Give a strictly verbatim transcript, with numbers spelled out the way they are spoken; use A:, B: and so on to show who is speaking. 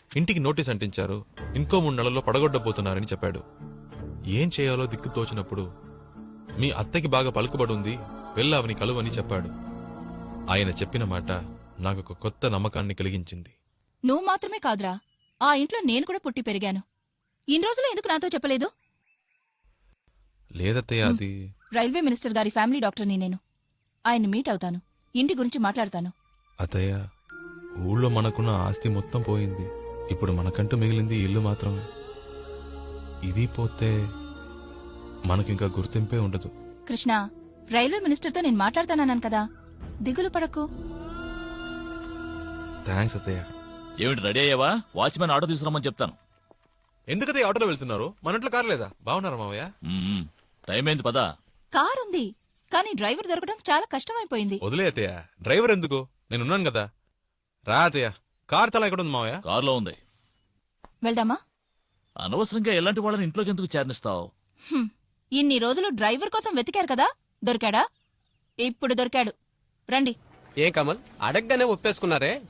A: ఇంటికి నోటీస్ అంటించారు, ఇంకో మూడు నెలల్లో పడగొట్టబోతున్నారని చెప్పాడు. ఏం చేయాలో దిక్కు తోచినప్పుడు మీ అత్తకి బాగా పలుకుబడి ఉంది, వెళ్ళావని కలువని చెప్పాడు. ఆయన చెప్పిన మాట నాకు ఒక కొత్త నమ్మకాన్ని కలిగించింది.
B: నువ్వు మాత్రమే కాదురా, ఆ ఇంట్లో నేను కూడా పుట్టి పెరిగాను. ఇన్ని రోజులు ఎందుకు నాతో చెప్పలేదు?
A: లేదత్తయ్య, అది
B: రైల్వే మినిస్టర్ గారి ఫ్యామిలీ డాక్టర్ని నేను. ఆయన్ని మీట్ అవుతాను, ఇంటి గురించి మాట్లాడతాను.
A: అత్తయ్య, ఊళ్ళో మనకున్న ఆస్తి మొత్తం పోయింది. ఇప్పుడు మనకంటూ మిగిలింది ఇల్లు మాత్రమే. ఇది పోతే మనకింకా గుర్తింపే ఉండదు.
B: కృష్ణ, రైల్వే మినిస్టర్తో నేను మాట్లాడతానన్నాను కదా, దిగులు పడకు.
A: థ్యాంక్స్ అత్తయ్య.
C: ఏమిటి రెడీ అయ్యావా? వాచ్మెన్ ఆటో తీసుకురమ్మని చెప్తాను.
A: ఎందుకదే ఆటోలో వెళ్తున్నారు? మన ఇంట్లో కారు లేదా? బాగున్నారా మావయ్య?
C: మ్మ్. టైం అయింది పదా.
B: కార్ ఉంది, కానీ డ్రైవర్ దొరకడం చాలా కష్టమైపోయింది.
A: వదిలే అత్తయ్య, డ్రైవర్ ఎందుకు? నేనున్నాను కదా. రా అత్తయ్య, కార్ తల ఎక్కడ ఉంది మావయ్య?
C: కారులో ఉంది.
B: వెళ్దామా?
C: అనవసరంగా ఎలాంటి వాళ్ళని ఇంట్లోకి ఎందుకు చేర్నిస్తావు?
B: హ్మ్. ఇన్ని రోజులు డ్రైవర్ కోసం వెతికారు కదా, దొరికాడా? ఇప్పుడు దొరికాడు. రండి.
D: ఏం కమల్, అడగగానే ఒప్పేసుకున్నారే?